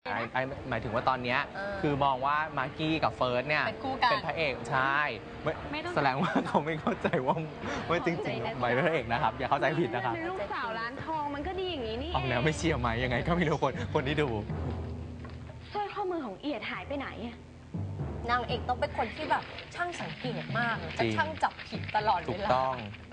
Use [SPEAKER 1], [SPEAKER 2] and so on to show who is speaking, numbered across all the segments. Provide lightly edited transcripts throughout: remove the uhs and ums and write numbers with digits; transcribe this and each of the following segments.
[SPEAKER 1] หมายถึงว่าตอนนี้คือมองว่ามาร์กี้กับเฟิร์สเนี่ยเป็นพระเอกใช่แสดงว่าเขาไม่เข้าใจว่าจริงๆไม่เป็นพระเอกนะครับอย่าเข้าใจผิดนะครับ
[SPEAKER 2] ลูกสาวร้านทองมันก็ดีอย่างนี้นี่
[SPEAKER 1] ออกแนวไม่เชียร์ไหมยังไงก็ไม่รู้คนที่ดู
[SPEAKER 2] สร้อยข้อมือของเอียดหายไปไหน
[SPEAKER 3] นางเอกต้องเป็นคนที่แบบช่างสังเกตมากจะช่างจับผิดตลอดเวลาถูกต้อง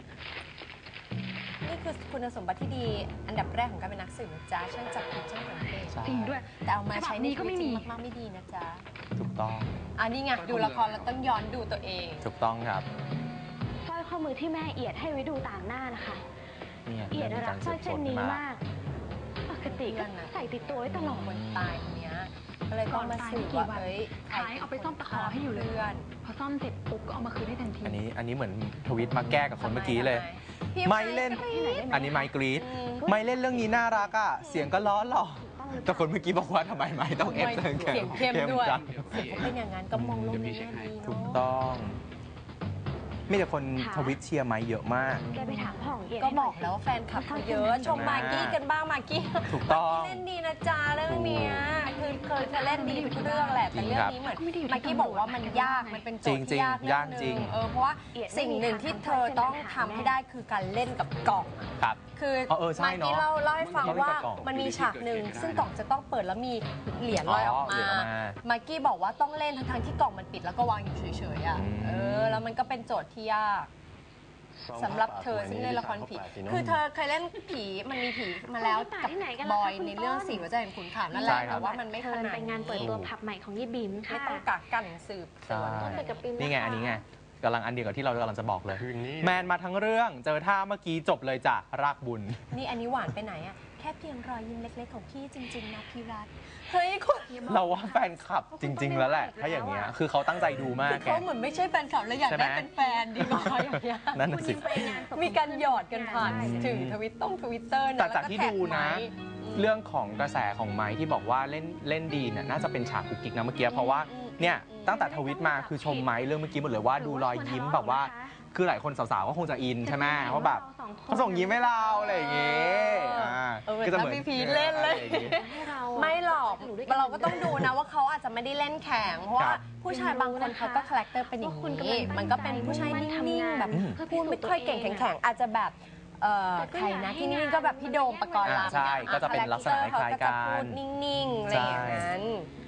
[SPEAKER 3] นี่คือคุณสมบัติที่ดีอันดับแรกของการเป็นนักสืบนะจ๊ะช่างจับผิดช่างสังเกต
[SPEAKER 2] จริงด้วย
[SPEAKER 3] แต่เอามาใช้ในชีวิตจริงมากๆไม่ดีนะจ๊ะ
[SPEAKER 1] ถูกต้อง
[SPEAKER 3] อันนี้ไงดูละครแล้วต้องย้อนดูตัวเอง
[SPEAKER 1] ถูกต้องครับ
[SPEAKER 2] สร้อยข้อมือที่แม่เอียดให้ไว้ดูต่างหน้านะคะเอียดรักสร้อยเส้นนี้มากปกติก็ใส่ติดตัวไว้ตลอด
[SPEAKER 3] คนตายคนนี้ก็เลยต้องมาสืบว่าเฮ้ย
[SPEAKER 2] ใครเอาไปซ่อมตะขอให้อยู่เลยพอซ่อมเสร็จปุ๊บก็เอามาคืนให้ทันที
[SPEAKER 1] อันนี้เหมือนทวิตมาแก้กับคนเมื่อกี้เลยไม่เล่นอันนี้ไมค์กรีดไม่เล่นเรื่องนี้น่ารักอ่ะเสียงก็ล้อหล่อแต่คนเมื่อกี้บอกว่าทำไมไม่ต้องเอฟเสียง
[SPEAKER 3] เข้มด้วยเป็นอย่างนั้นก็มองลงนี้
[SPEAKER 1] ถูกต้องมีแต่คนทวิตเชียร์ไมค์เยอะมาก
[SPEAKER 2] แกไปถามพ่อของเอียด
[SPEAKER 3] ก็บอกแล้วว่าแฟนคลับเขาเยอะชมมากกี้กันบ้างมากกี้
[SPEAKER 1] ถูกต้อง
[SPEAKER 3] เล่นดีนะจ๊ะเรื่องนี้คือเคยเล่นดีทุกเรื่องแหละแต่เรื่องนี้เหมือนมากกี้บอกว่ามันยากมันเป็นโจทย์ที่ยาก
[SPEAKER 1] จริง
[SPEAKER 3] เพราะว่าสิ่งหนึ่งที่เธอต้องทำให้ได้คือการเล่นกับกล่องคือมากกี้เล่าให้ฟังว่ามันมีฉากหนึ่งซึ่งกล่องจะต้องเปิดแล้วมีเหรียญลอยออกมามากกี้บอกว่าต้องเล่นทั้งที่กล่องมันปิดแล้วก็วางอยู่เฉยๆอ่ะแล้วมันก็เป็นโจทย์ที่ยากสำหรับเธอซึ่งเล่นละครผีคือเธอเคยเล่นผีมันมีผีมาแล้วกับบอยในเรื่อง4หัวใจแห่งขุนเขานั่นแหละแต่ว่ามันไม่ขนาด
[SPEAKER 2] ไปงานเปิดตัวผับใหม่ของยี่บิม
[SPEAKER 3] ไม่ต้องกักกันสืบสวน
[SPEAKER 1] นี่ไงอันนี้ไงกำลังอันเดียวกับที่เรากำลังจะบอกเลยแมนมาทั้งเรื่องเจอท่าเมื่อกี้จบเลยจ้ะรากบุญ
[SPEAKER 3] นี่อันนี้หวานไปไหนอ่ะแค่เพียงรอยยิ้มเล็กๆของพี่จริงๆนะพี่รัตเฮ้ยคุณ
[SPEAKER 1] เราว่าแฟนคลับจริงๆแล้วแหละถ้าอย่างเงี้ยคือเขาตั้งใจดูมากแก
[SPEAKER 3] เขาเหมือนไม่ใช่แฟนคลับแล้วอยากได้เป็นแฟนดีกว่าอย่างเงี้ย
[SPEAKER 1] นั่นสิ
[SPEAKER 3] มีการหยอดกันผ่านถึงทวิตเตอร์
[SPEAKER 1] แต่จากที่ดูนะเรื่องของกระแสของไมค์ที่บอกว่าเล่นดีเนี่ยน่าจะเป็นฉากกุ๊กกิ๊กนะเมื่อกี้เพราะว่าเนี่ยตั้งแต่ทวิตมาคือชมไมค์เรื่องเมื่อกี้หมดเลยว่าดูรอยยิ้มแบบว่าคือหลายคนสาวๆก็คงจะอินใช่ไหมว่าแบบเขาส่งยิ้มให้เราอะไรอย่างเงี้ย
[SPEAKER 3] ก็จะเหมือนพี่พีเล่นเลยไม่หรอกเราก็ต้องดูนะว่าเขาอาจจะไม่ได้เล่นแข่งเพราะว่าผู้ชายบางคนเขาก็คาแรคเตอร์เป็นอย่างนี้มันก็เป็นผู้ชายนิ่งๆแบบพูดไม่ค่อยเก่งแข็งอาจจะแบบใครนะที่นี่ก็แบบพี่โดมปกรณ์ลำ
[SPEAKER 1] ใช่ก็จะเป็นลักษณะคล้ายกัน
[SPEAKER 3] พูดนิ่งๆอะไรอย่างนั้น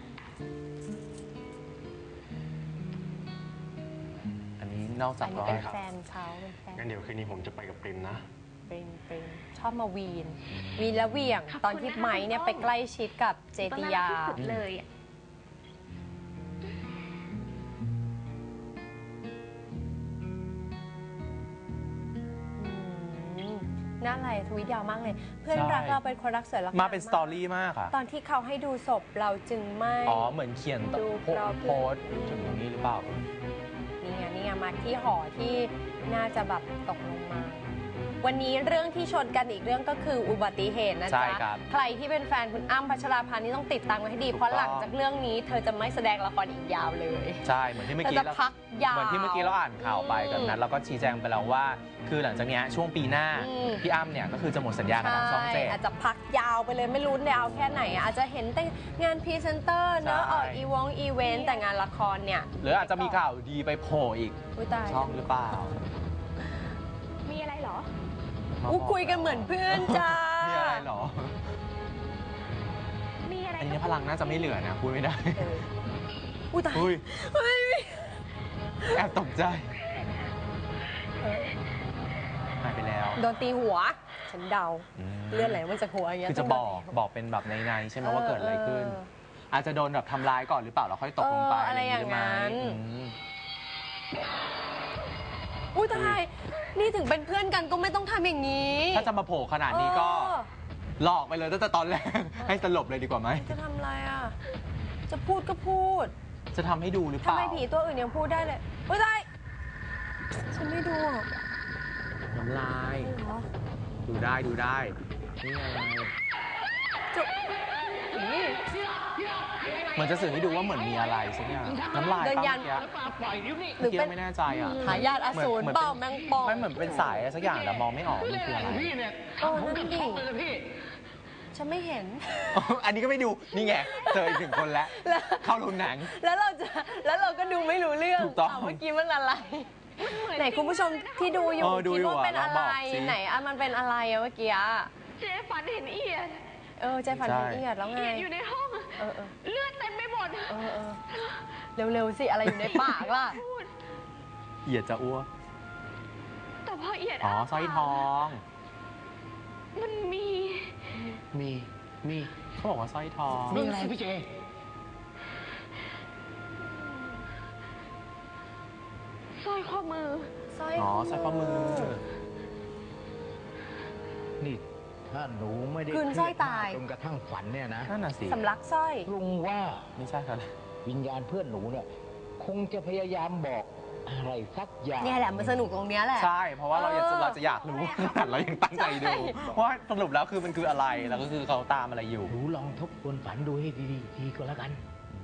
[SPEAKER 1] นอกจาก
[SPEAKER 3] เป็นแฟนเขา
[SPEAKER 4] งั้นเดี๋ยวคืนนี้ผมจะไปกับปริมนะ
[SPEAKER 3] เป็นชอบมาวีนและเวียงตอนที่ไม้เนี่ยไปใกล้ชิดกับเจติยา
[SPEAKER 2] เลย
[SPEAKER 3] น่าอะไรทวิตยาวมากเลยเพื่อนรักเราเป็นคนรักสวยรัก
[SPEAKER 1] มาเป็นสตอรี่มากค่ะ
[SPEAKER 3] ตอนที่เขาให้ดูศพเราจึงไม่
[SPEAKER 1] เหมือนเขียนโพสถึงตรงนี้หรือเปล่า
[SPEAKER 3] นี่ไงมาที่หอที่น่าจะแบบตกลงมาวันนี้เรื่องที่ชนกันอีกเรื่องก็คืออุบัติเหตุนะจ๊ะใครที่เป็นแฟนคุณอ้ำพัชราภานี่ต้องติดตามไว้ให้ดีเพราะหลังจากเรื่องนี้เธอจะไม่แสดงละครอีกยาวเลย
[SPEAKER 1] ใช่เหมือนที่เมื่อกี้เราอ่านข่าวไปกับนั้นเราก็ชี้แจงไปแล้วว่าคือหลังจากนี้ช่วงปีหน้าพี่อ้ำเนี่ยก็คือจะหมดสัญญากับทางช่อง7
[SPEAKER 3] อาจจะพักยาวไปเลยไม่รู้ยาวแค่ไหนอาจจะเห็นแต่งานพรีเซนเตอร์เนอะออกอีเวนต์แต่งานละครเนี่ย
[SPEAKER 1] หรืออาจจะมีข่าวดีไปโผล่อีกช่องหรือเปล่า
[SPEAKER 2] มีอะไรหรอ
[SPEAKER 3] คุยกันเหมือนเพื่อนจ้า
[SPEAKER 1] มีอะไรหรอ
[SPEAKER 2] มีอะไร
[SPEAKER 1] อันนี้พลังน่าจะไม่เหลือนะพูดไม่ได้
[SPEAKER 3] ตาย
[SPEAKER 1] แอบตกใจหายไปแล้ว
[SPEAKER 3] โดนตีหัวฉันเดาเลือดไหลมาจากหัวอย่างเงี้ย
[SPEAKER 1] คือจะบอกเป็นแบบในใช่ไหมว่าเกิดอะไรขึ้นอาจจะโดนแบบทำร้ายก่อนหรือเปล่าแล้วค่อยตกลงไป
[SPEAKER 3] อะไรอย่างนั้นตายนี่ถึงเป็นเพื่อนกันก็ไม่ต้องทำอย่างนี้
[SPEAKER 1] ถ้าจะมาโผล่ขนาดนี้ก็หลอกไปเลยตั้งแต่ตอนแรกให้สลบเลยดีกว่าไหม
[SPEAKER 3] จะทำอะไรอ่ะจะพูดก็พูด
[SPEAKER 1] จะทำให้ดูหรือเปล่า
[SPEAKER 3] ทำไมผีตัวอื่นยังพูดได้เลยตายฉันไม่ดู
[SPEAKER 1] น้ำลายดูได้นี่อะไรเหมือนจะสื่อให้ดูว่าเหมือนมีอะไรสักอย่างน้ำลาย
[SPEAKER 3] เดินยัน
[SPEAKER 1] หรือเป็นไม่แน่ใจอ่ะ
[SPEAKER 3] หายาดอสูรเปล่าแมงปอง
[SPEAKER 1] ไม่เหมือนเป็นสายสักอย่างแต่มองไม่ออกมันคืออะไร
[SPEAKER 3] นั่นดิฉันไม่เห็น
[SPEAKER 1] อันนี้ก็ไม่ดูนี่ไงเจออีกหนึ่งคนแล้วเข้าโรงหนัง
[SPEAKER 3] แล้วเราก็ดูไม่รู้เรื่อง
[SPEAKER 1] ถูกต้อง
[SPEAKER 3] เมื่อกี้มันอะไรไหนคุณผู้ชมที่ดูอยู่
[SPEAKER 1] ดู
[SPEAKER 3] คิด
[SPEAKER 1] อยู่
[SPEAKER 3] ว่าเป็น
[SPEAKER 1] ลอง
[SPEAKER 3] อะไร
[SPEAKER 1] บอกสิ
[SPEAKER 3] ไหนอะมันเป็นอะไรอะเมื่อกี้อะ
[SPEAKER 2] เจ๊ฝันเห็นเอียด
[SPEAKER 3] ใจฝันเห็นเอียดแล้วไง
[SPEAKER 2] เอียดอยู่ในห้อง เลือดเต็มไปหมด
[SPEAKER 3] เร็วๆสิอะไรอยู่ในปากล่ะ
[SPEAKER 1] เอียดจะอ้วก
[SPEAKER 2] แต่พอเอียด
[SPEAKER 1] อ๋อสร้อยทอง
[SPEAKER 2] มันมี
[SPEAKER 1] เขาบอกว่าสร้อยทอง
[SPEAKER 5] มีอะไรพี่เจ
[SPEAKER 2] สร้อยข้อมือ
[SPEAKER 1] อ๋อสร้อยข้อมือ
[SPEAKER 5] นี่ถ้าหนูไม่ได้
[SPEAKER 3] คืนสร้อยตาย
[SPEAKER 5] จนกระทั่งฝันเนี่ยนะ
[SPEAKER 1] นั่นน่ะสิ
[SPEAKER 3] สำลักสร้อย
[SPEAKER 5] ลุงว่า
[SPEAKER 1] ไม่ใช่ครับ
[SPEAKER 5] วิญญาณเพื่อนหนูเนี่ยคงจะพยายามบอกอะไรสักอย่าง
[SPEAKER 3] เนี่ยแหละมันสนุกตรงเนี้ยแหละ
[SPEAKER 1] ใช่ เพราะว่าเราจะอยากรู้ขนาดเรายังตั้งใจดู ว่าสรุปแล้วคือมันคืออะไร แล้วก็คือเขาตามอะไรอยู่
[SPEAKER 5] หนูลองทบทวนฝันดูให้ดีๆทีก็แล้วกัน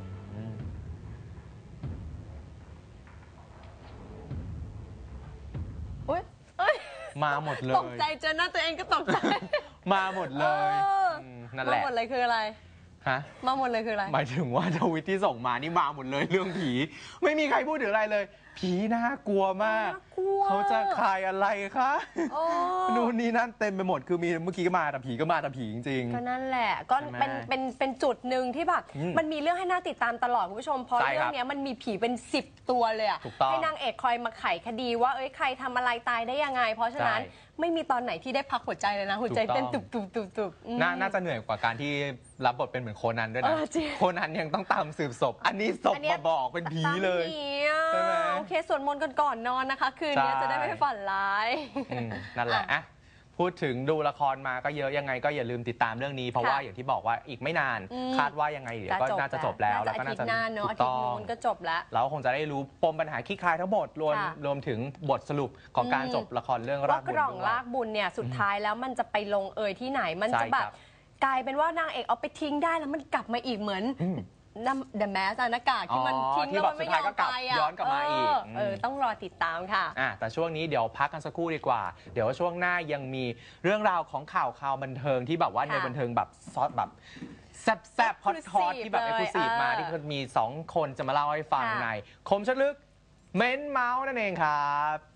[SPEAKER 3] อุ๊ย
[SPEAKER 1] มาหมดเลย
[SPEAKER 3] ตกใจเจอหน้าตัวเองก็ตกใจ
[SPEAKER 1] มาหมดเลยนั่นแหละ
[SPEAKER 3] มาหมดเลยคืออะไร
[SPEAKER 1] ฮะ
[SPEAKER 3] มาหมดเลยคืออะไร
[SPEAKER 1] หมายถึงว่าทวิตที่ส่งมานี่มาหมดเลยเรื่องผี ไม่มีใครพูดถึงอะไรเลย ผีน่ากลัวมาก
[SPEAKER 3] น่ากลัว
[SPEAKER 1] เขาจะคายอะไรคะ
[SPEAKER 3] โอ้
[SPEAKER 1] นู่นนี่นั่นเต็มไปหมดคือมีเมื่อกี้ก็มาแต่ผีก็มาแต่ผีจริง
[SPEAKER 3] ก็นั่นแหละก็
[SPEAKER 1] ใช่ไหม
[SPEAKER 3] เป็นจุดหนึ่งที่แบบ มันมีเรื่องให้น่าติดตามตลอดคุณผู้ชมเพราะ
[SPEAKER 1] ใช่ครับ
[SPEAKER 3] เรื่องเนี้ยมันมีผีเป็น10 ตัวเลยอะ
[SPEAKER 1] ถูกต้อง
[SPEAKER 3] ให้นางเอกคอยมาไขคดีว่าเอ้ยใครทำอะไรตายได้ยังไง เพราะฉะนั้น
[SPEAKER 1] ใช่
[SPEAKER 3] ไม่มีตอนไหนที่ได้พักหัวใจเลยนะหัวใจ
[SPEAKER 1] ถูกต้อง
[SPEAKER 3] เต้นตุบตุบตุบตุบอืม
[SPEAKER 1] น่าจะเหนื่อยกว่าการที่รับบทเป็นเหมือนโคนันด้วยนะ
[SPEAKER 3] จริง
[SPEAKER 1] โคนันยังต้องตามสืบศพ อันนี้ศพ
[SPEAKER 3] อันเนี้ย
[SPEAKER 1] มาบอกเป็นผีเลย
[SPEAKER 3] ตามผีอะ
[SPEAKER 1] ใช่ไหม
[SPEAKER 3] โอเคสวดมนต์กันก่อนนอนนะคะ คืนนี้
[SPEAKER 1] ใช่
[SPEAKER 3] จะได้ไม่ฝันร้าย
[SPEAKER 1] นั่นแหละอ่ะพูดถึงดูละครมาก็เยอะยังไงก็อย่าลืมติดตามเรื่องนี้ เพราะว่าอย่างที่บอกว่าอีกไม่นาน คาดว่ายังไงเดี๋ยวก็น่าจะจบแล้ว
[SPEAKER 3] น่าจะอาทิตย์หน้าเนอะอาทิตย์นู้นก็จบแล้ว
[SPEAKER 1] เราคงจะได้รู้ปมปัญหาคลี่คลายทั้งหมดรวมถึงบทสรุปของการจบละครเรื่องรา
[SPEAKER 3] ว่าก
[SPEAKER 1] บุ
[SPEAKER 3] ก
[SPEAKER 1] ญ
[SPEAKER 3] ล่อง
[SPEAKER 1] ด้วย
[SPEAKER 3] ลากบุญเนี่ยสุดท้ายแล้วมันจะไปลงเอยที่ไหนมัน
[SPEAKER 1] ใช่
[SPEAKER 3] จะแบ
[SPEAKER 1] ครับ บ
[SPEAKER 3] กลายเป็นว่านางเอกเอาไปทิ้งได้แล้วมันกลับมาอีกเหมือนเดอะแมสหน้ากากที่มันทิ้ง
[SPEAKER 1] ที่
[SPEAKER 3] แล้ว
[SPEAKER 1] แบบ
[SPEAKER 3] มัน
[SPEAKER 1] สุ
[SPEAKER 3] ไม่
[SPEAKER 1] ด
[SPEAKER 3] ย
[SPEAKER 1] ท้าย
[SPEAKER 3] อ
[SPEAKER 1] ก็
[SPEAKER 3] ม
[SPEAKER 1] กลับ
[SPEAKER 3] ไปอ่ะ
[SPEAKER 1] ย้อนกลับมาอีก
[SPEAKER 3] ต้องรอติดตามค่ะ
[SPEAKER 1] แต่ช่วงนี้เดี๋ยวพักกันสักครู่ดีกว่า เดี๋ยวช่วงหน้ายังมีเรื่องราวของข่าวบันเทิงที่แบบว่าในบันเทิงแบบซอสแบบแซ่บฮอตที่แบบเอ็กซ์คลูซีฟมาที่มี2 คนจะมาเล่าให้ฟังในคมชัดลึกเม้นเมาส์นั่นเองครับ